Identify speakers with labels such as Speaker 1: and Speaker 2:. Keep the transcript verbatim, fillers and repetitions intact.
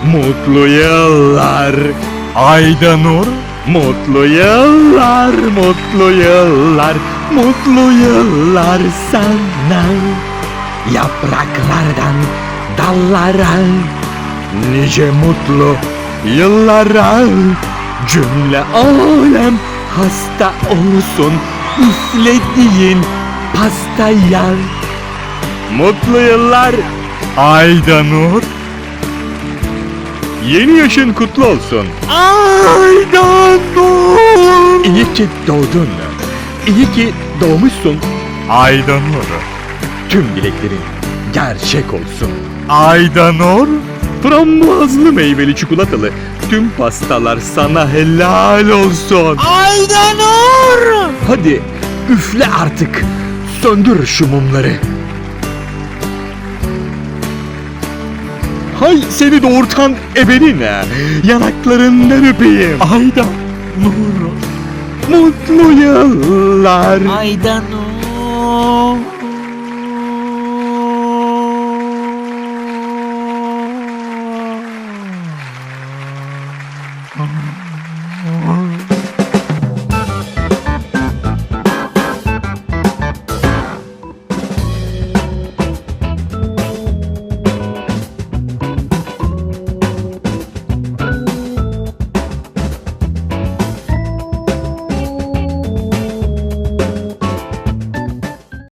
Speaker 1: Mutlu yıllar Aydanur. Mutlu yıllar, mutlu yıllar, mutlu yıllar sana. Yapraklardan dallara, nice mutlu yıllara. Cümle alem hasta olsun üflediğin pastaya. Mutlu yıllar Aydanur. Yeni yaşın kutlu olsun. Aydanur. İyi ki doğdun. İyi ki doğmuşsun. Aydanur. Tüm dileklerin gerçek olsun. Aydanur. Frambuazlı meyveli çikolatalı tüm pastalar sana helal olsun.
Speaker 2: Aydanur!
Speaker 1: Hadi üfle artık. Söndür şu mumları. Hay seni doğurtan ebeline, yanaklarından öpeyim. Aydanur, mutlu yıllar.
Speaker 2: Aydanur!